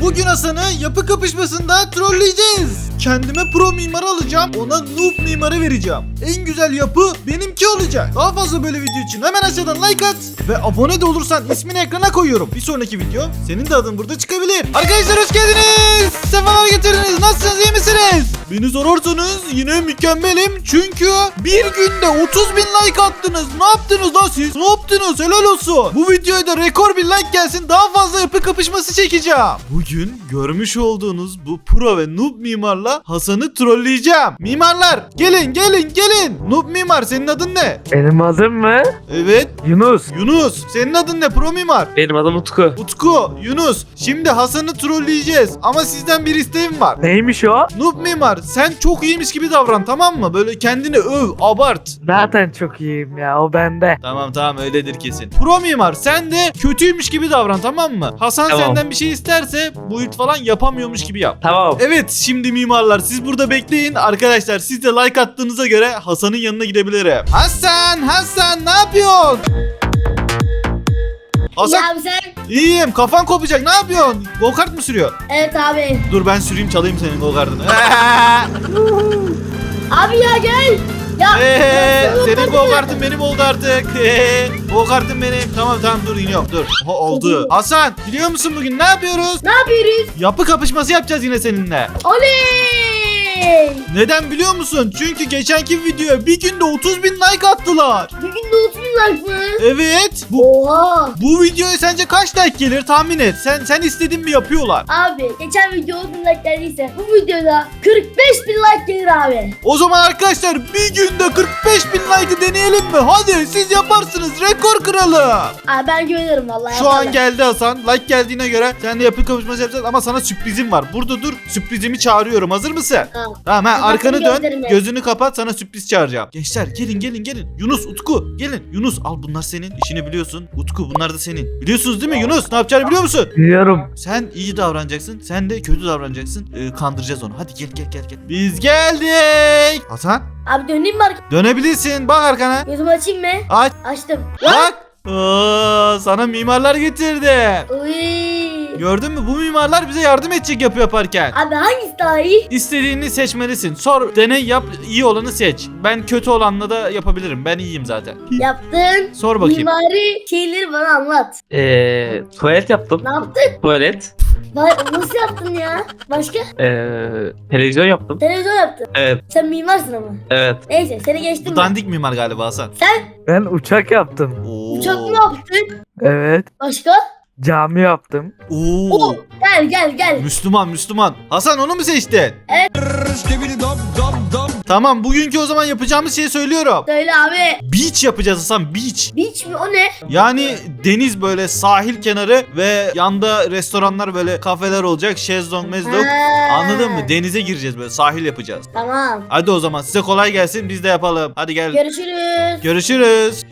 Bugün Hasan'ı yapı kapışmasında trolleyeceğiz. Kendime pro mimar alacağım. Ona noob mimarı vereceğim. En güzel yapı benimki olacak. Daha fazla böyle video için hemen aşağıdan like at. Ve abone de olursan ismini ekrana koyuyorum. Bir sonraki video senin de adın burada çıkabilir. Arkadaşlar hoş geldiniz. Sefalar getirdiniz. Nasılsınız, iyi misiniz? Beni sorarsanız yine mükemmelim. Çünkü bir günde 30.000 like attınız. Ne yaptınız lan siz? Ne yaptınız? Helal olsun. Bu videoya da rekor bir like gelsin. Daha fazla yapı kapışması çekeceğim. Bugün görmüş olduğunuz bu pro ve noob mimarla Hasan'ı trolleyeceğim. Mimarlar gelin. Noob mimar senin adın ne? Benim adım mı? Evet. Yunus. Yunus. Senin adın ne pro mimar? Benim adım Utku. Utku, Yunus. Şimdi Hasan'ı trolleyeceğiz. Ama sizden bir isteğim var. Neymiş o? Noob mimar sen çok iyiymiş gibi davran, tamam mı? Böyle kendini öv, abart. Zaten çok iyiyim ya, o bende. Tamam öyledir kesin. Pro mimar sen de kötüymüş gibi davran, tamam mı? Hasan Tamam. senden bir şey isterse build falan yapamıyormuş gibi yap. Tamam. Evet, şimdi mimarlar siz burada bekleyin. Arkadaşlar siz de like attığınıza göre Hasan'ın yanına gidebilirim. Hasan ne yapıyorsun? Hasan Ya abi sen? iyiyim, kafan kopacak, ne yapıyorsun? Go kart mı sürüyor? Evet abi. Dur ben süreyim, çalayım senin go kartını. Abi ya gel. Ya. Senin go kartın benim oldu artık. Go kartın benim. Tamam dur iniyorum dur. Oldu. Hasan biliyor musun bugün ne yapıyoruz? Ne yapıyoruz? Yapı kapışması yapacağız yine seninle. Oley. Neden biliyor musun? Çünkü geçenki videoya bir günde 30.000 like attılar. Bir günde 30 bin like mı? Evet. Oha. Bu videoya sence kaç like gelir tahmin et. Sen istediğin mi yapıyorlar? Abi geçen video 10 bin like geldiyse bu videoda 45 bin like gelir abi. O zaman arkadaşlar bir günde 45.000 like'ı deneyelim mi? Hadi siz yaparsınız, rekor kıralım. Abi ben güvenirim vallahi. Şu an geldi Hasan. Like geldiğine göre sen de yapı kapışması yapacağız ama sana sürprizim var. Burada dur, sürprizimi çağırıyorum. Hazır mısın? Tamam. Tamam arkanı dön. gözlerimi. Gözünü kapat, sana sürpriz çağıracağım. Gençler gelin. Yunus, Utku gelin. Yunus al, bunlar senin. İşini biliyorsun. Utku bunlar da senin. Biliyorsunuz değil mi Yunus? Ne yapacağını biliyor musun? Biliyorum. Sen iyi davranacaksın. Sen de kötü davranacaksın. Kandıracağız onu. Hadi gel. Biz geldik. Hasan Abi döneyim mi arkaya? dönebilirsin. Bak arkana. Gözümü açayım mı? Aç. Açtım. Bak. Sana mimarlar getirdi. Uy. Gördün mü? Bu mimarlar bize yardım edecek yapı yaparken. Abi hangisi daha iyi? İstediğini seçmelisin. Sor, deney yap, iyi olanı seç. Ben kötü olanla da yapabilirim. Ben iyiyim zaten. Yaptın. Sor bakayım. Mimari şeyleri bana anlat. Tuvalet yaptım. Ne yaptın? Tuvalet. Nasıl yaptın ya? Başka? Televizyon yaptım. Televizyon yaptın. Evet. Sen mimarsın ama. Evet. Neyse seni geçtim Bu ben. dandik mimar galiba Hasan. Sen Ben uçak yaptım. Oo. uçak mı yaptın? Evet. Başka? Cami yaptım. Oo. Gel. Müslüman. Hasan onu mu seçtin? Evet. Tamam, bugünkü o zaman yapacağımız şeyi söylüyorum. Söyle abi. Beach yapacağız Hasan, beach. Beach mi o ne? Yani deniz, böyle sahil kenarı ve yanda restoranlar, böyle kafeler olacak. Şezlong, mezlong. Ha. Anladın mı? Denize gireceğiz, böyle sahil yapacağız. Tamam. Hadi o zaman size kolay gelsin, biz de yapalım. Hadi gel. Görüşürüz.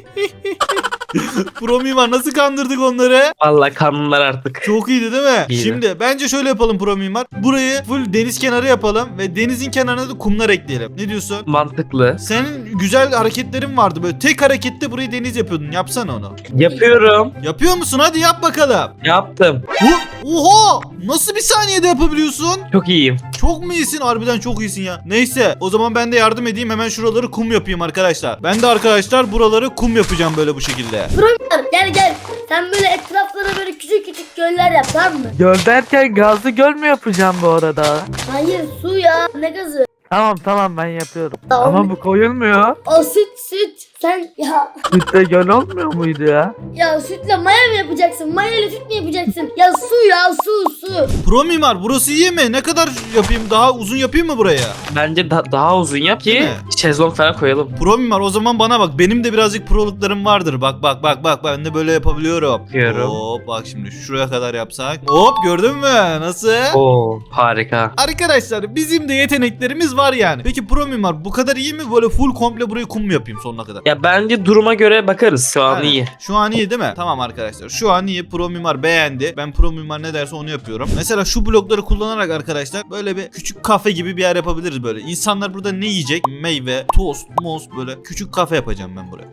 Pro mimar, nasıl kandırdık onları? Vallahi kanunlar artık. Çok iyiydi değil mi? İyiydi. Şimdi bence şöyle yapalım pro mimar. Burayı full deniz kenarı yapalım ve denizin kenarına da kumlar ekleyelim. Ne diyorsun? Mantıklı. Senin güzel hareketlerin vardı, böyle tek harekette burayı deniz yapıyordun. Yapsana onu. Yapıyorum. Yapıyor musun? Hadi yap bakalım. Yaptım. Oha! Nasıl bir saniyede yapabiliyorsun? Çok iyiyim. Çok mu iyisin? Harbiden çok iyisin ya. Neyse o zaman ben de yardım edeyim. Hemen şuraları kum yapayım arkadaşlar. Ben de arkadaşlar buraları kum yapacağım böyle bu şekilde. Gel. Sen böyle etraflara böyle küçük göller yap, tamam mı? Göl derken gazlı göl mü yapacağım bu arada? Hayır, su ya. Ne gazı? Tamam ben yapıyorum. Tamam. Ama bu koyulmuyor. O süt. Sen Sütte göl olmuyor muydu ya? ya sütle maya mı yapacaksın? Maya ile süt mü yapacaksın? Ya su. Pro mimar, burası iyi mi? Ne kadar yapayım? Daha uzun yapayım mı buraya? Bence daha uzun yap Değil ki mi? şezlong falan koyalım. Pro mimar, o zaman bana bak. Benim de birazcık proluklarım vardır. Bak. Ben de böyle yapabiliyorum. Yapıyorum. Hop bak şimdi şuraya kadar yapsak. Hop, gördün mü? Nasıl? Oo harika. Arkadaşlar bizim de yeteneklerimiz var yani. Peki pro mimar bu kadar iyi mi? Böyle full komple burayı kum mu yapayım sonuna kadar? Ya bence duruma göre bakarız. Şu an Aynen. iyi. Şu an iyi değil mi? Tamam arkadaşlar. Şu an iyi. Pro mimar beğendi. Ben pro mimar ne derse onu yapıyorum. istiyorum. Mesela şu blokları kullanarak arkadaşlar böyle bir küçük kafe gibi bir yer yapabiliriz böyle. İnsanlar burada ne yiyecek? Meyve, tost, muz, böyle küçük kafe yapacağım ben buraya.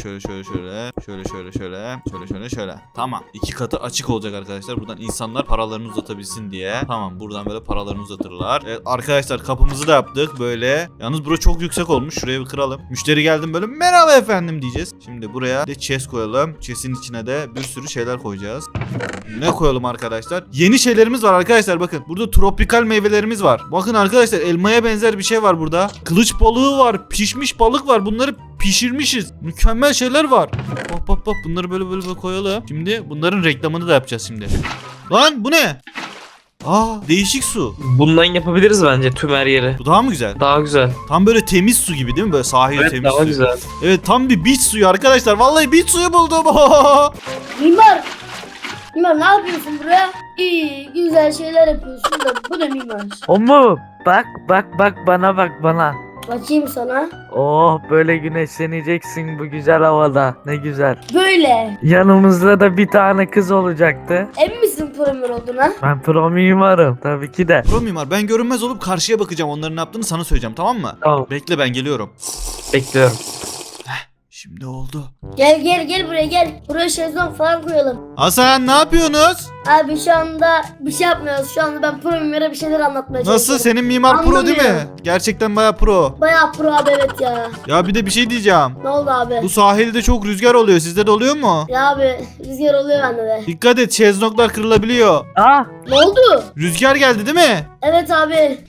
Şöyle. Tamam. 2 katı açık olacak arkadaşlar. Buradan insanlar paralarını uzatabilsin diye. Tamam, buradan böyle paralarını uzatırlar. Evet arkadaşlar, kapımızı da yaptık böyle. Yalnız bura çok yüksek olmuş. Şuraya bir kıralım. Müşteri geldim böyle merhaba efendim diyeceğiz. Şimdi buraya de chest koyalım. Chest'in içine de bir sürü şeyler koyacağız. Ne koyalım arkadaşlar? Yeni şeylerimiz var arkadaşlar, bakın. Burada tropikal meyvelerimiz var. Bakın arkadaşlar, elmaya benzer bir şey var burada. Kılıç balığı var. Pişmiş balık var. Bunları pişirmişiz. Mükemmel şeyler var. Bak. Bunları böyle koyalım. Şimdi bunların reklamını da yapacağız şimdi. Lan bu ne? Aa, değişik su. Bundan yapabiliriz bence tüm her yeri. Bu daha mı güzel? Daha güzel. Tam böyle temiz su gibi değil mi? Böyle sahil Evet, temiz daha su. güzel. Evet, tam bir beach suyu arkadaşlar. Vallahi beach suyu buldum. Mimar. Mimar ne yapıyorsun buraya? İyi güzel şeyler yapıyorsun da bu ne mimar? O mu? Bak bana. Bakayım sana. Oh, böyle güneşleneceksin bu güzel havada. Ne güzel. Böyle. Yanımızda da bir tane kız olacaktı. Emin misin premier olduğuna? Ben pro mimarım tabii ki de. Pro mimar, ben görünmez olup karşıya bakacağım. Onların ne yaptığını sana söyleyeceğim, tamam mı? Tamam. Bekle, ben geliyorum. Bekliyorum. Şimdi oldu. Gel buraya gel. Buraya şezlong falan koyalım. Hasan, ne yapıyorsunuz? Abi şu anda bir şey yapmıyoruz. Şu anda ben pro mimara bir şeyler anlatmaya Nasıl, çalışıyorum. senin mimar pro değil mi? Anlamıyorum. Gerçekten baya pro. Bayağı pro abi, evet ya. Ya bir de bir şey diyeceğim. Ne oldu abi? Bu sahilde çok rüzgar oluyor. Sizde de oluyor mu? Ya abi rüzgar oluyor bende de. Dikkat et, şezlonglar kırılabiliyor. Ah, Ne oldu? Rüzgar geldi değil mi? Evet abi.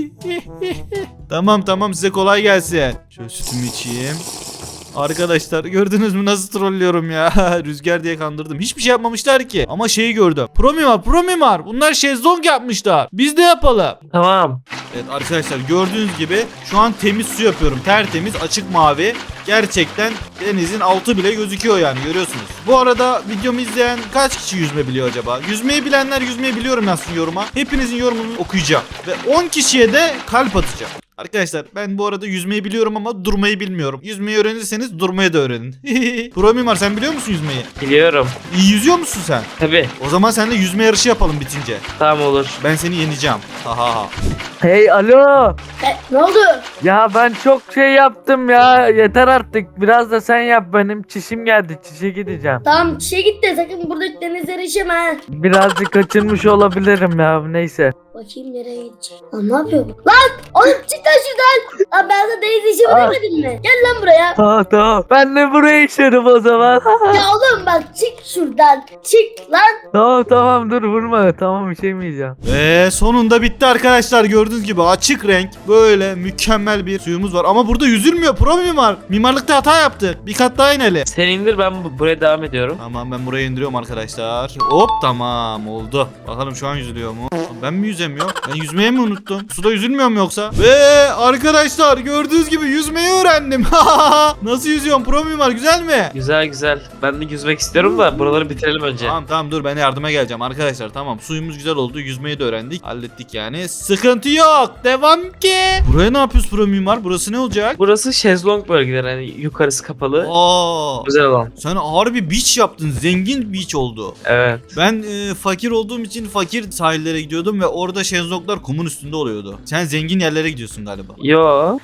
Tamam, size kolay gelsin. Şöyle sütümü içeyim. Arkadaşlar gördünüz mü nasıl trollüyorum ya. Rüzgar diye kandırdım. Hiçbir şey yapmamışlar ki. Ama şeyi gördüm. Pro mimar. Bunlar şezlong yapmışlar. Biz de yapalım. Tamam. Evet arkadaşlar, gördüğünüz gibi şu an temiz su yapıyorum. Tertemiz, açık mavi. Gerçekten denizin altı bile gözüküyor yani, görüyorsunuz. Bu arada videomu izleyen kaç kişi yüzme biliyor acaba? Yüzmeyi bilenler yüzmeyi biliyorum yazsın yoruma. Hepinizin yorumunu okuyacağım. Ve 10 kişiye de kalp atacağım. Arkadaşlar ben bu arada yüzmeyi biliyorum ama durmayı bilmiyorum. Yüzmeyi öğrenirseniz durmayı da öğrenin. Pro mimar, sen biliyor musun yüzmeyi? Biliyorum. İyi yüzüyor musun sen? Tabii. O zaman seninle yüzme yarışı yapalım bitince. Tamam, olur. Ben seni yeneceğim. Ha. hey alo. Ne oldu? Ya ben çok şey yaptım ya. Yeter artık. Biraz da sen yap, benim çişim geldi. Çişe gideceğim. Tamam çişe git de sakın buradaki denizlere işeme ha. Birazcık kaçırmış olabilirim ya. Neyse. Bakayım nereye gidecek. Lan ne yapıyor bu? Lan oğlum çık lan şuradan. Lan ben sana deniz işimi Ah. demedim mi? Gel lan buraya. Tamam. Ben de buraya işerim o zaman. Ya oğlum bak çık şuradan. Çık lan. Tamam dur vurma. Tamam, işemeyeceğim. Ve sonunda bitti arkadaşlar, gördüğünüz gibi açık renk böyle mükemmel bir suyumuz var. Ama burada yüzülmüyor pro mimar. Mimarlıkta hata yaptık. Bir kat daha inelim. Sen indir, ben buraya devam ediyorum. Tamam, ben buraya indiriyorum arkadaşlar. Hop, tamam oldu. Bakalım şu an yüzülüyor mu? Ben mi yüzemiyorum? Ben yüzmeyi mi unuttum? Suda yüzülmüyor mu yoksa? Ve arkadaşlar gördüğünüz gibi yüzmeyi öğrendim. Nasıl yüzüyorum pro mimar, güzel mi? Güzel. Ben de yüzmek istiyorum da buraları bitirelim önce. Tamam dur, ben yardıma geleceğim arkadaşlar. Tamam, suyumuz güzel oldu, yüzmeyi de öğrendik, hallettik yani, sıkıntı yok, devam ki. Buraya ne yapıyoruz pro mimar, burası ne olacak? Burası şezlong bölgeleri, hani yukarısı kapalı. Aa, Güzel olan. sen harbi beach yaptın, zengin beach oldu. Evet. Ben fakir olduğum için fakir sahillere gidiyordum ve orada şezlonglar kumun üstünde oluyordu. Sen zengin yerlere gidiyorsun galiba. Yo.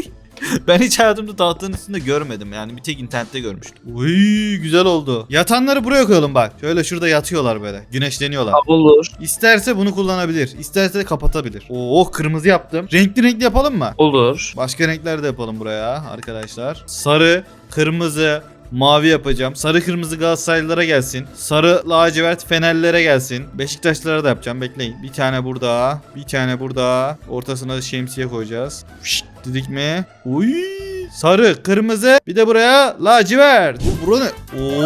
Ben hiç hayatımda tahtanın üstünde görmedim, yani bir tek internette görmüştüm. Uy, güzel oldu. Yatanları buraya koyalım bak. Şöyle şurada yatıyorlar böyle, güneşleniyorlar. Olur. İsterse bunu kullanabilir, isterse de kapatabilir. Oo, kırmızı yaptım. Renkli yapalım mı? Olur. Başka renkler de yapalım buraya arkadaşlar. Sarı, kırmızı, mavi yapacağım. Sarı kırmızı Galatasaraylılara gelsin. Sarı lacivert Fenerlilere gelsin. Beşiktaşlılara da yapacağım, bekleyin. Bir tane burada, bir tane burada. Ortasına şemsiye koyacağız. Şşt dedik mi? Uy, sarı, kırmızı, bir de buraya lacivert. Bura ne?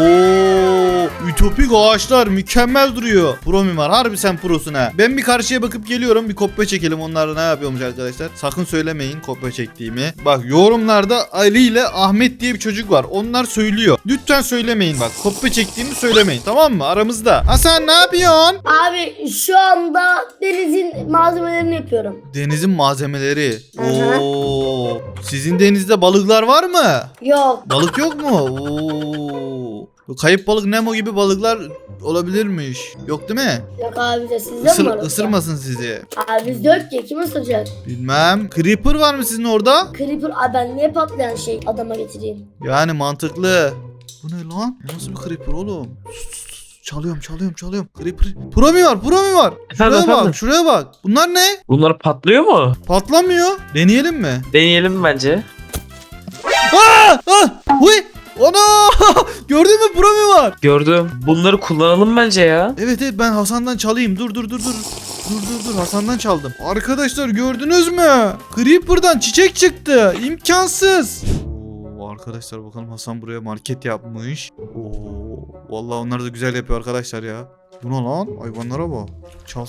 Oo, ütopik ağaçlar mükemmel duruyor. Pro mimar, harbi sen prosun ha. Ben bir karşıya bakıp geliyorum, bir kopya çekelim. Onlar ne yapıyormuş arkadaşlar. Sakın söylemeyin kopya çektiğimi. Bak yorumlarda Ali ile Ahmet diye bir çocuk var. Onlar söylüyor. Lütfen söylemeyin bak. Kopya çektiğimi söylemeyin, tamam mı? Aramızda. Hasan ne yapıyorsun? Abi şu anda denizin malzemelerini yapıyorum. Denizin malzemeleri. Hı hı. Oo. Sizin denizde balıklar var mı? Yok. Balık yok mu? Oo. Bu kayıp balık Nemo gibi balıklar olabilirmiş. Yok değil mi? Yok abi de sizde mi var? Isırmasın sizi. Abi bizde yok ki kim ısıracak? Bilmem. Creeper var mı sizin orada? Creeper abi ben niye patlayan şey adama getireyim? Yani mantıklı. Bu ne lan? Bu nasıl bir creeper oğlum? Çalıyorum. Creeper. Pro mi var? Şuraya Efendim? bak, şuraya bak. Bunlar ne? Bunlar patlıyor mu? Patlamıyor. Deneyelim mi? Deneyelim bence. Huy! Ana! Gördün mü? Pro mi var? Gördüm. Bunları kullanalım bence ya. Evet ben Hasan'dan çalayım. Dur. Dur Hasan'dan çaldım. Arkadaşlar gördünüz mü? Creeper'dan çiçek çıktı. İmkansız. Oo, arkadaşlar bakalım Hasan buraya market yapmış. Oo, vallahi onlar da güzel yapıyor arkadaşlar ya. Bu ne lan? Hayvanlara bak. Çal.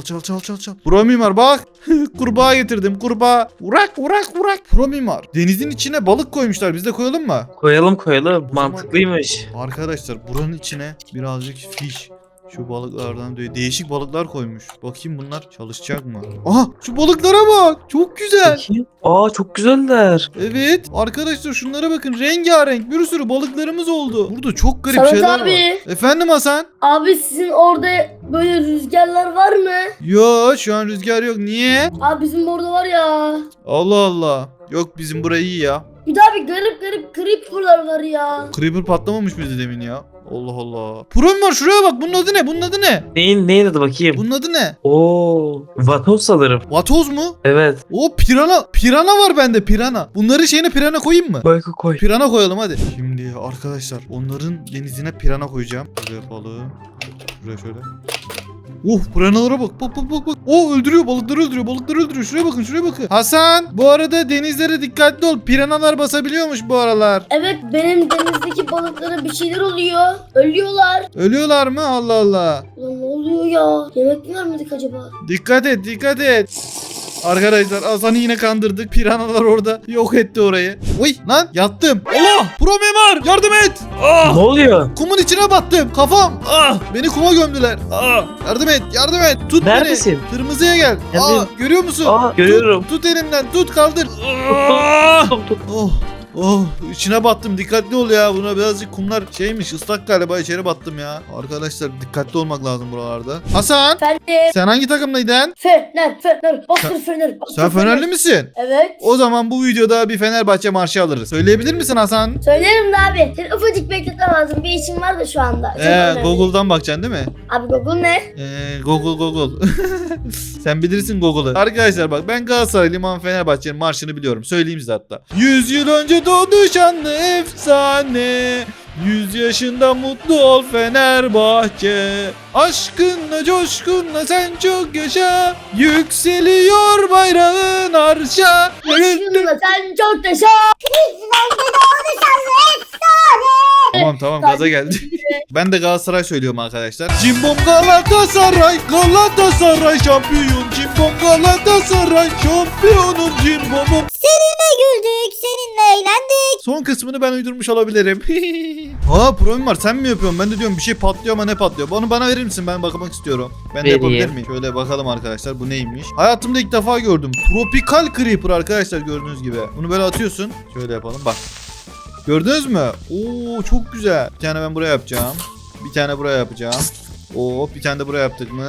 Pro mimar bak. Kurbağa getirdim. Kurbağa. Urak. Pro mimar. Denizin içine balık koymuşlar. Biz de koyalım mı? Koyalım. zaman- Mantıklıymış. Arkadaşlar buranın içine birazcık fiş. Şu balıklardan değişik balıklar koymuş. Bakayım bunlar çalışacak mı? Aha şu balıklara bak. Çok güzel. Bakayım. Aa çok güzeller. Evet. Arkadaşlar şunlara bakın. Rengarenk bir sürü balıklarımız oldu. Burada çok garip Samet şeyler abi. var. Efendim Hasan? Abi sizin orada böyle rüzgarlar var mı? Yo şu an rüzgar yok. Niye? Abi bizim orada var ya. Allah Allah. Yok bizim burayı iyi ya. Bir daha bir garip creeper'lar var ya. Creeper patlamamış mıydı demin ya? Allah Allah. Pro var şuraya bak. Bunun adı ne? Neyin adı bakayım. Bunun adı ne? Oo, vatoz sanırım. Vatoz mu? Evet. O pirana. Pirana var bende pirana. Bunları şeyine pirana koyayım mı? Koy. Pirana koyalım hadi. Şimdi arkadaşlar onların denizine pirana koyacağım. Şöyle yapalım. Şuraya şöyle. Piranalara bak. Bak. Öldürüyor balıkları öldürüyor. Şuraya bakın. Hasan bu arada denizlere dikkatli ol. Piranalar basabiliyormuş bu aralar. Evet benim denizdeki balıklara bir şeyler oluyor. Ölüyorlar. Ölüyorlar mı? Allah Allah. Ulan ne oluyor ya? Yemek mi vermedik acaba? Dikkat et. Arkadaşlar Hasan'ı yine kandırdık. Piranalar orada yok etti orayı. Uy lan yattım. Allah! Pro mimar yardım et. Ne oluyor? Kumun içine battım. Kafam. Beni kuma gömdüler. Yardım et. Tut Neredesin? beni. Kırmızıya gel. Neredeyim? Görüyor musun? Görüyorum. Tut elimden. Tut kaldır. Tut. İçine battım. Dikkatli ol ya. Buna birazcık kumlar şeymiş. Islak galiba. İçeri battım ya. Arkadaşlar dikkatli olmak lazım buralarda. Hasan. Efendim? Sen hangi takımdaydın? Fener. Bastır Fener. Sen Fenerli misin? Evet. O zaman bu videoda bir Fenerbahçe marşı alırız. Söyleyebilir misin Hasan? Söylerim de abi. Seni ufacık bekletmem lazım. Bir işim var da şu anda. Çok önemli. Google'dan bakacaksın değil mi? Abi Google ne? Google. Sen bilirsin Google'ı. Arkadaşlar bak ben Galatasaraylıyım ama Fenerbahçe'nin marşını biliyorum. Söyleyeyim size hatta. 100 yıl önce doğdu şanlı efsane. 100 yaşında mutlu ol Fenerbahçe. Aşkınla coşkunla sen çok yaşa. Yükseliyor bayrağın arşa. Aşkınla sen çok yaşa. Tamam gaza geldi. Ben de Galatasaray söylüyorum arkadaşlar. Cimbom Galatasaray şampiyon. Cimbom Galatasaray şampiyonum cimbomum. Seninle güldük, seninle eğlendik. Son kısmını ben uydurmuş olabilirim. Problem var sen mi yapıyorsun? Ben de diyorum bir şey patlıyor ama ne patlıyor? Onu bana verir misin? Ben bakmak istiyorum. Ben de Vereyim. yapabilir miyim? Şöyle bakalım arkadaşlar bu neymiş? Hayatımda ilk defa gördüm. Tropical Creeper arkadaşlar gördüğünüz gibi. Bunu böyle atıyorsun. Şöyle yapalım bak. Gördünüz mü? Oo çok güzel. Bir tane ben buraya yapacağım. Bir tane buraya yapacağım. Bir tane de buraya yaptık mı?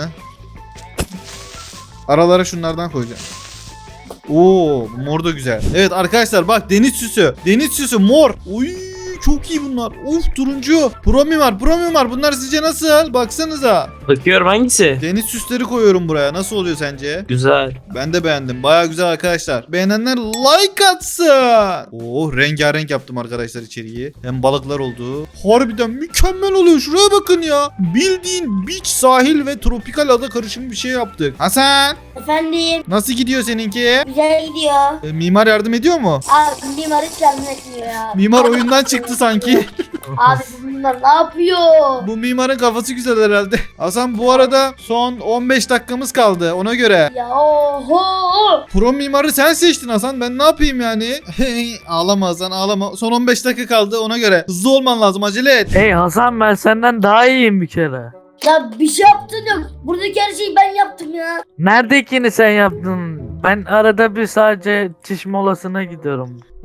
Aralara şunlardan koyacağım. Bu mor da güzel. Evet arkadaşlar bak deniz süsü. Deniz süsü mor. Uy çok iyi bunlar. Turuncu. Pro mimar. Bunlar sizce nasıl? Baksanıza. Bakıyorum hangisi? Deniz süsleri koyuyorum buraya. Nasıl oluyor sence? Güzel. Ben de beğendim. Baya güzel arkadaşlar. Beğenenler like atsın. Rengarenk yaptım arkadaşlar içeriği. Hem balıklar oldu. Harbiden mükemmel oluyor. Şuraya bakın ya. Bildiğin beach, sahil ve tropikal ada karışımı bir şey yaptık. Hasan. Efendim. Nasıl gidiyor seninki? Güzel gidiyor. Mimar yardım ediyor mu? Abi mimar hiç yardım etmiyor ya. Mimar oyundan çıktı sanki. Abi bunlar ne yapıyor? Bu mimarın kafası güzel herhalde. Hasan bu arada son 15 dakikamız kaldı ona göre. Ya oho. Pro mimarı sen seçtin Hasan. Ben ne yapayım yani? Ağlama Hasan ağlama. Son 15 dakika kaldı ona göre. Hızlı olman lazım acele et. Hey Hasan ben senden daha iyiyim bir kere. Ya bir şey yaptın yok. Buradaki her şeyi ben yaptım ya. Neredekini sen yaptın? Ben arada bir sadece çiş molasına gidiyorum.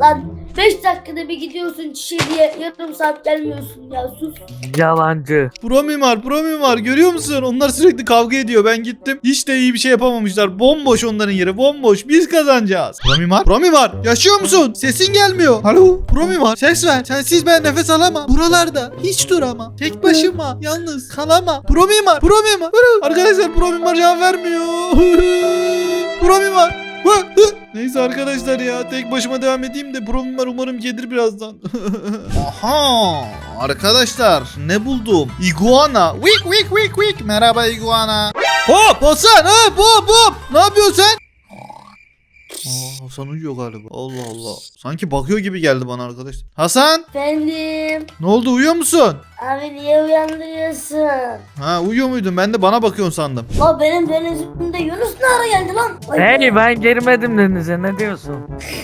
Lan 5 dakikada bir gidiyorsun çişe diye yarım saat gelmiyorsun ya sus. Yalancı. Pro mimar görüyor musun? Onlar sürekli kavga ediyor. Ben gittim. Hiç de iyi bir şey yapamamışlar. Bomboş onların yeri. Bomboş. Biz kazanacağız. Pro mimar yaşıyor musun? Sesin gelmiyor. Alo. Pro mimar ses ver. Sensiz ben nefes alamam. Buralarda hiç duramam. Tek başıma yalnız kalamam. Pro mimar. Arkadaşlar pro mimar cevap vermiyor. Pro mimar. Neyse arkadaşlar ya tek başıma devam edeyim de pro mimar umarım gelir birazdan. Aha arkadaşlar ne buldum? Iguana. Wik. Merhaba iguana. Hop Hasan hop. Ne yapıyorsun sen? Hasan uyuyor galiba. Allah Allah. Sanki bakıyor gibi geldi bana arkadaş. Hasan Efendim. ne oldu uyuyor musun? Abi niye uyandırıyorsun? Ha uyuyor muydun? Ben de bana bakıyorsun sandım. La benim denizimde Yunus ne ara geldi lan? Ay Hey ben girmedim denize ne diyorsun?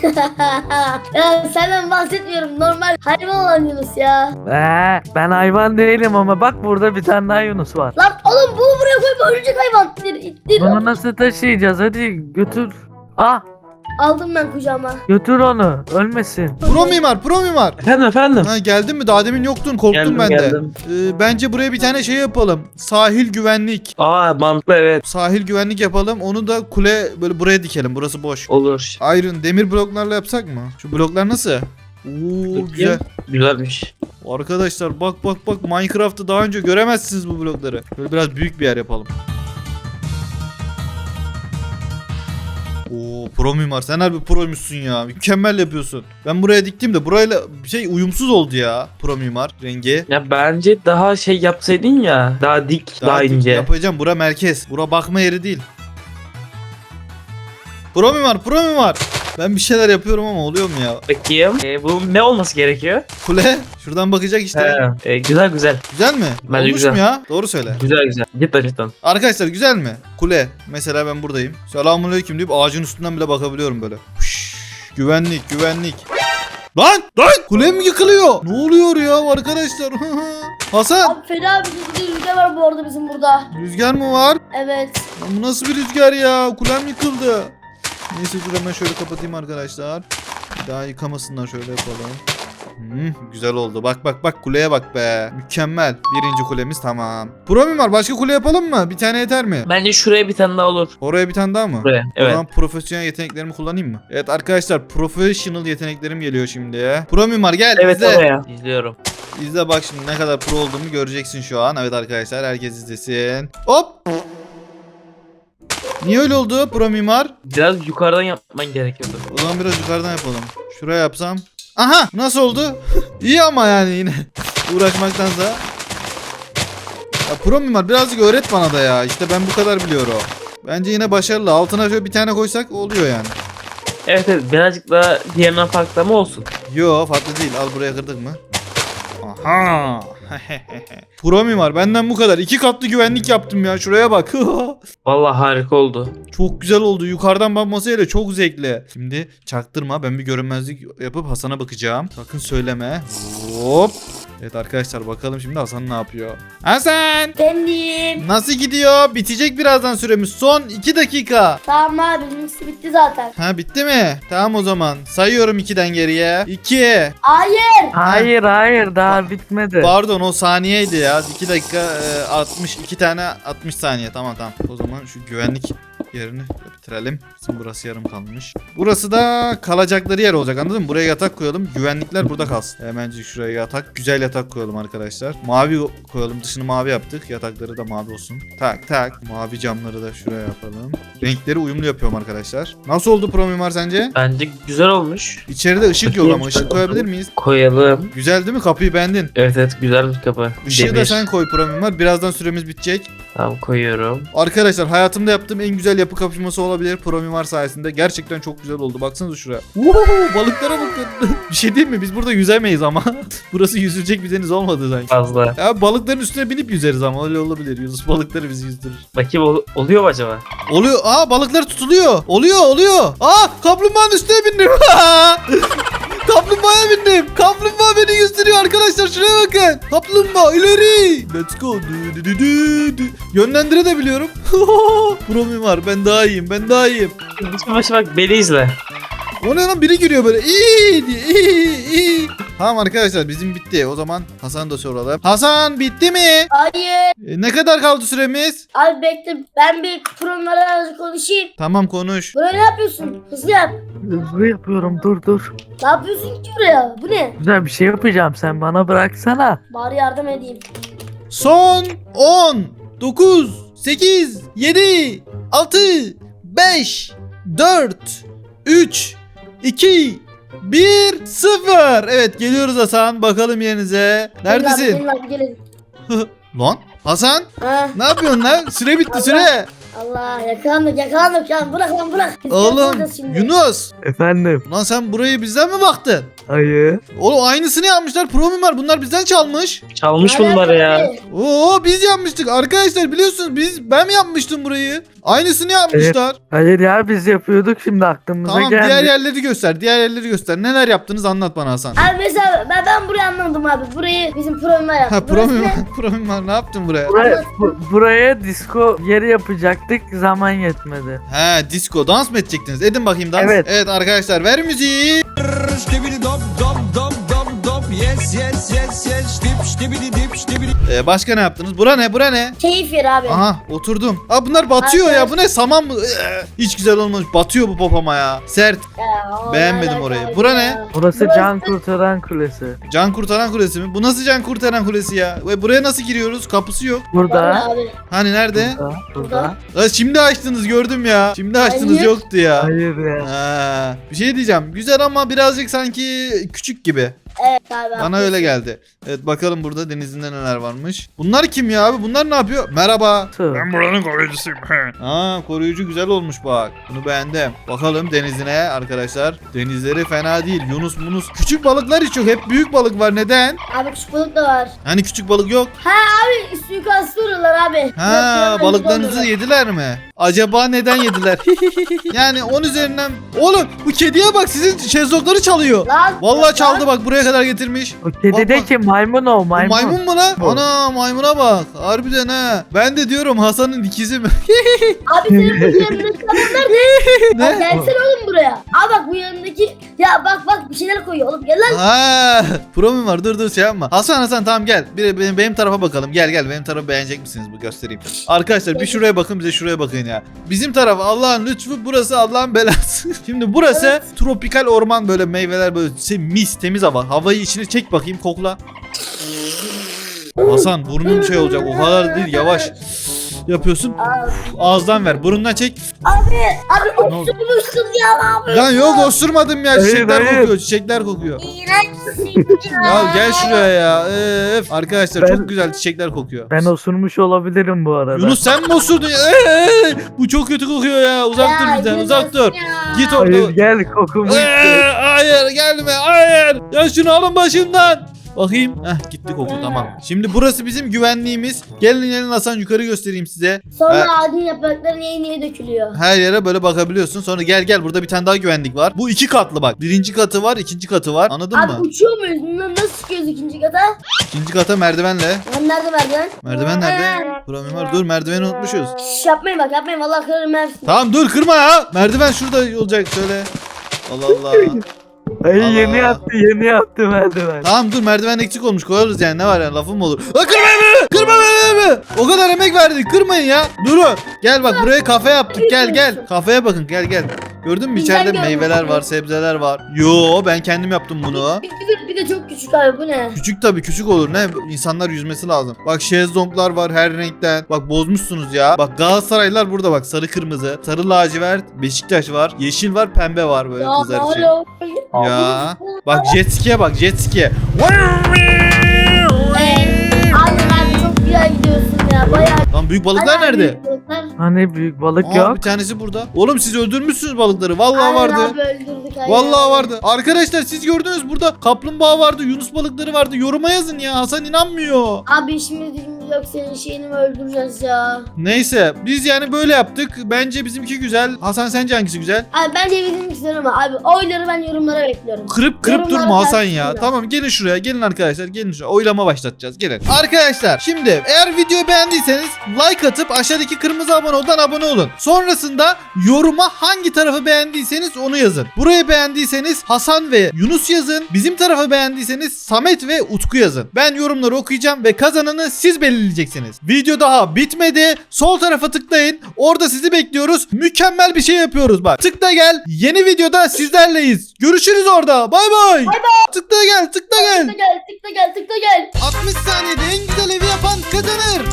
ya senden bahsetmiyorum normal hayvan olan Yunus ya. Ben hayvan değilim ama bak burada bir tane daha Yunus var. Lan oğlum bunu buraya koyma ölecek hayvan. İttir. Bunu nasıl taşıyacağız hadi götür. Ah Aldım ben kucağıma. götür onu ölmesin. Pro mimar. Efendim. Ha geldin mi? Daha demin yoktun. Korktum ben de. Geldim. Bence buraya bir tane şey yapalım. Sahil güvenlik. Aa mantıklı evet. Sahil güvenlik yapalım. Onu da kule böyle buraya dikelim. Burası boş. Olur. Iron demir bloklarla yapsak mı? Şu bloklar nasıl? Oo güzel. Güzelmiş. Arkadaşlar bak Minecraft'ta daha önce göremezsiniz bu blokları. Böyle biraz büyük bir yer yapalım. Oo pro mimar sen harbi proymuşsun ya. Mükemmel yapıyorsun. Ben buraya diktim de burayla uyumsuz oldu ya pro mimar rengi. Ya bence daha şey yapsaydın ya. Daha dik, daha dik ince. yapacağım. Bura merkez. Bura bakma yeri değil. Pro mimar. Ben bir şeyler yapıyorum ama oluyor mu ya? Bakayım. Bu ne olması gerekiyor? Kule. Şuradan bakacak işte. Güzel. Güzel mi? Bence Olmuş güzel. mu ya? Doğru söyle. Güzel. Cidden. Arkadaşlar güzel mi? Kule. Mesela ben buradayım. Selamünaleyküm deyip ağacın üstünden bile bakabiliyorum böyle. Huş, güvenlik. Lan! Kule mi yıkılıyor? Ne oluyor ya arkadaşlar? Hasan! Abi fena bir rüzgar var bu arada bizim burada. Rüzgar mı var? Evet. Lan bu nasıl bir rüzgar ya? Kulem yıkıldı. Neyse dur hemen şöyle kapatayım arkadaşlar. Daha yıkamasınlar şöyle yapalım. Güzel oldu. Bak kuleye bak be. Mükemmel. Birinci kulemiz tamam. Pro mimar başka kule yapalım mı? Bir tane yeter mi? Bence şuraya bir tane daha olur. Oraya bir tane daha mı? Buraya. O Evet. zaman profesyonel yeteneklerimi kullanayım mı? Evet arkadaşlar professional yeteneklerim geliyor şimdi. Pro mimar gel Evet izle. oraya. İzliyorum. İzle bak şimdi ne kadar pro olduğumu göreceksin şu an. Evet arkadaşlar herkes izlesin. Hop. Niye öyle oldu pro mimar? Biraz yukarıdan yapman gerekiyordu. O zaman biraz yukarıdan yapalım. Şuraya yapsam. Aha nasıl oldu? İyi ama yani yine uğraşmaktansa. Ya pro mimar birazcık öğret bana da ya. İşte ben bu kadar biliyorum. Bence yine başarılı. Altına şöyle bir tane koysak oluyor yani. Evet birazcık daha diğerinden farklı ama olsun. Yo farklı değil. Al buraya kırdık mı? Aha. Pro mimar benden bu kadar. 2 katlı güvenlik yaptım ya. Şuraya bak. Vallahi harika oldu. Çok güzel oldu. Yukarıdan bakmasıyla çok zevkli. Şimdi çaktırma. Ben bir görünmezlik yapıp Hasan'a bakacağım. Sakın söyleme. Hop. Evet arkadaşlar bakalım şimdi Hasan ne yapıyor. Hasan! Benim. Nasıl gidiyor? Bitecek birazdan süremiz. Son 2 dakika. Tamam abi bizimkisi bitti zaten. Ha bitti mi? Tamam o zaman. Sayıyorum 2'den geriye. 2. Hayır. Hayır daha bitmedi. Pardon o saniyeydi ya. 2 dakika 62 tane 60 saniye. Tamam. O zaman şu güvenlik yerini bitirelim. Bizim burası yarım kalmış. Burası da kalacakları yer olacak anladın mı? Buraya yatak koyalım. Güvenlikler burada kalsın. Hemencik şuraya yatak. Güzel yatak koyalım arkadaşlar. Mavi koyalım. Dışını mavi yaptık. Yatakları da mavi olsun. Tak. Mavi camları da şuraya yapalım. Renkleri uyumlu yapıyorum arkadaşlar. Nasıl oldu pro mimar sence? Bence güzel olmuş. İçeride ışık yok ama ışık koyabilir miyiz? Koyalım. Güzel değil mi? Kapıyı beğendin. Evet güzel bir kapı. Işığı da Demir. sen koy pro mimar. Birazdan süremiz bitecek. Tamam koyuyorum. Arkadaşlar hayatımda yaptığım en güzel yapı kapışması olabilir pro mimar sayesinde. Gerçekten çok güzel oldu. Baksanıza şuraya. Balıklara bakın. Bir şey diyeyim mi? Biz burada yüzemeyiz ama. Burası yüzülecek bir deniz olmadı sanki. Fazla. Ya balıkların üstüne binip yüzeriz ama öyle olabilir. Yunus balıkları bizi yüzdürür. Bakayım oluyor mu acaba? Oluyor. Aa balıklar tutuluyor. Oluyor. Aa kaplumbağanın üstüne bindim. Kaplumbağaya bindim. Kaplumbağa beni yüzdürüyor arkadaşlar. Şuraya bakın. Kaplumbağa ileri. Let's go. Yönlendire de biliyorum. Pro mimar ben daha iyiyim. Başa bak beni izle. O ne lan, biri giriyor böyle. İyi diye. İyi. Tamam arkadaşlar, bizim bitti. O zaman Hasan'ı da soralım. Hasan, bitti mi? Hayır. Ne kadar kaldı süremiz? Abi bekle, ben bir programlarla konuşayım. Tamam, konuş. Buraya ne yapıyorsun? Hızlı yap. Hızlı yapıyorum, dur. Ne yapıyorsun ki buraya? Bu ne? Güzel bir şey yapacağım, sen bana bıraksana. Bari yardım edeyim. Son 10, 9, 8, 7, 6, 5, 4, 3, 2, 1, 0. Evet, geliyoruz Hasan. Bakalım yerinize. Neredesin? Gelin abi, gelin. Lan Hasan, Ha, ne yapıyorsun lan? Süre bitti, Allah. süre. Allah, yakalandık ya. Bırak lan, bırak. Biz Oğlum yapacağız şimdi. Yunus. Efendim? Lan sen burayı bizden mi baktın? Hayır. Oğlum aynısını yapmışlar. Pro mimar, bunlar bizden çalmış. Çalmış Ne bunlar ya. alaka abi? Oo, biz yapmıştık arkadaşlar, biliyorsunuz ben mi yapmıştım burayı? Aynısını yapmışlar. Hayır ya, biz yapıyorduk, şimdi aklımıza Tamam, geldi. diğer yerleri göster. Diğer yerleri göster. Neler yaptınız anlat bana Hasan. Abi mesela ben burayı anladım abi. Burayı bizim programlar yaptı. Ha, pro Burası mimar, ne? pro mimar ne yaptın buraya? Buraya disco yeri yapacaktık, zaman yetmedi. He, disco dans mı edecektiniz? Edin bakayım dans. Evet. Evet arkadaşlar, ver müziği. Stibidi dop dop dop dop dop yes yes yes yes stip stibidi dip stibidi. Başka ne yaptınız? Bura ne? Bura ne? Keyif yeri abi. Aha, oturdum. Aa, bunlar batıyor ya. Bu ne, saman mı? Hiç güzel olmamış. Batıyor bu popoma ya. Sert. Ya, Beğenmedim alaka orayı. abi Bura ya. ne? Burası Burası- can kurtaran kulesi. Can kurtaran kulesi mi? Bu nasıl can kurtaran kulesi ya? Ve buraya nasıl giriyoruz? Kapısı yok. Burada. Abi. Hani nerede? Burada. Aa, şimdi açtınız, gördüm ya. Şimdi açtınız, Hayır. yoktu ya. Hayır ya. Ha, bir şey diyeceğim. Güzel ama birazcık sanki küçük gibi. Evet abi. Bana haklısın. öyle geldi. Evet, bakalım burada denizinde neler varmış. Bunlar kim ya abi? Bunlar ne yapıyor? Merhaba. Ben buranın koruyucusuyum. Aa, koruyucu güzel olmuş bak. Bunu beğendim. Bakalım denizine arkadaşlar. Denizleri fena değil. Yunus munus. Küçük balıklar hiç yok. Hep büyük balık var. Neden? Abi küçük balık da var. Hani küçük balık yok? Abi suikastı vuruyorlar abi. Ha, Yok, balıklarınızı yok, yediler mi? Acaba neden yediler? Yani 10 üzerinden. Oğlum bu kediye bak, sizin şezlongları çalıyor. Lan, Vallahi çaldı, bak buraya kadar getirmiş. O kedi de Bak. ki maymun o, Bu maymun. maymun mu lan? Bu. Ana, maymuna bak. Harbiden ha. Ben de diyorum Hasan'ın ikizi mi? Abi senin bu yanındaki adamlar ne? Abi Ne? gelsene oğlum buraya. Abi bak bu yanındaki. Ya bak bir şeyler koyuyor oğlum. Gel lan. Ha, pro mu var? Dur şey yapma. Hasan tamam gel. Benim tarafa bakalım. Gel benim tarafı beğenecek misiniz? Bu göstereyim. Arkadaşlar bir şuraya bakın, bize şuraya bakın ya. Bizim taraf Allah'ın lütfu, burası Allah'ın belası. Şimdi burası Evet. tropikal orman, böyle meyveler, böyle mis, temiz hava. Havayı içine çek bakayım, kokla. Hasan burnun şey olacak, o kadar değil, yavaş yapıyorsun. Abi, Ağızdan ver, burundan çek. abi Ne oldu? osurmuşsun ya ne yapıyorsun? Lan yok, osurmadım ya, Hayır, çiçekler hayır. kokuyor, çiçekler kokuyor. İğrençsin ya. Ya gel şuraya ya. Arkadaşlar Ben- çok güzel çiçekler kokuyor. Ben osurmuş olabilirim bu arada. Yunus sen mi osurdun ya? Bu çok kötü kokuyor ya. Uzak dur bizden, Yunus uzak dur. ya. Git Hayır, orada. gel kokumu işte. Hayır gelme, hayır. Ya şunu alın başımdan. Bakayım. Gitti koku, tamam. Şimdi burası bizim güvenliğimiz. Gelin Hasan, yukarı göstereyim size. Sonra ağacın yaprakları niye dökülüyor? Her yere böyle bakabiliyorsun. Sonra gel burada bir tane daha güvenlik var. Bu 2 katlı bak. Birinci katı var, ikinci katı var. Anladın Abi mı? uçuyor muyuz? Nasıl çıkıyoruz ikinci kata? İkinci kata merdivenle. Lan nerede merdiven? Merdiven nerede? Buram mimar, dur, merdiveni unutmuşuz. Şş, yapmayın bak yapmayın vallahi kırarım hepsini. Tamam dur, kırma ya. Merdiven şurada olacak, söyle. Allah Allah. Ay Allah. yeni yaptı merdiven. Tamam dur, merdiven eksik olmuş, koyarız yani, ne var yani, lafım mı olur? Kırma beni! Kırma beni! O kadar emek verdik, kırmayın ya. Durun. Gel bak, buraya kafe yaptık, gel. Kafeye bakın, gel. Gördün mü, Bizden içeride görmüş. meyveler var, sebzeler var. Yo, ben kendim yaptım bunu. Bir de çok küçük abi bu ne? Küçük tabii, küçük olur, ne? İnsanlar yüzmesi lazım. Bak şezlonglar var her renkten. Bak bozmuşsunuz ya. Bak Galatasaraylar burada bak, sarı kırmızı. Sarı lacivert, Beşiktaş var. Yeşil var, pembe var böyle Ya kızlar için. alo. Ya. Bak jet ski'ye bak, jet ski'ye. Abi çok güzel gidiyorsun ya bayağı. Lan büyük balıklar Bayağı nerede? büyük balıklar. Hani büyük balık Aa, yok. bir tanesi burada. Oğlum siz öldürmüşsünüz balıkları. Vallahi Aynen vardı. abi öldürdük aynen. Vallahi vardı. Arkadaşlar siz gördünüz, burada kaplumbağa vardı, yunus balıkları vardı. Yoruma yazın ya. Hasan inanmıyor. Abi işimiz gücümüz yok senin şeyini mi öldüreceğiz ya? Neyse biz yani böyle yaptık. Bence bizimki güzel. Hasan sence hangisi güzel? Abi ben de bildiğim istiyorum ama abi oyları ben yorumlara bekliyorum. Kırıp Yorumlara durma Hasan ya. yazsınlar. Tamam gelin şuraya. Gelin arkadaşlar. Gelin şuraya. Oylama başlatacağız. Gelin. Arkadaşlar şimdi eğer videoyu beğendiyseniz like atıp aşağıdaki kırmızı abone oldan abone olun. Sonrasında yoruma hangi tarafı beğendiyseniz onu yazın. Burayı beğendiyseniz Hasan ve Yunus yazın. Bizim tarafı beğendiyseniz Samet ve Utku yazın. Ben yorumları okuyacağım ve kazananı siz belirleyeceksiniz. Video daha bitmedi. Sol tarafa tıklayın. Orada sizi bekliyoruz. Mükemmel bir şey yapıyoruz bak. Tıkla gel. Yeni videoda sizlerleyiz. Görüşürüz orada. Bay bay. Tıkla gel. Tıkla gel. Tıkla gel, tıkla gel, tıkla gel. 60 saniyede en güzel evi yapan kazanır.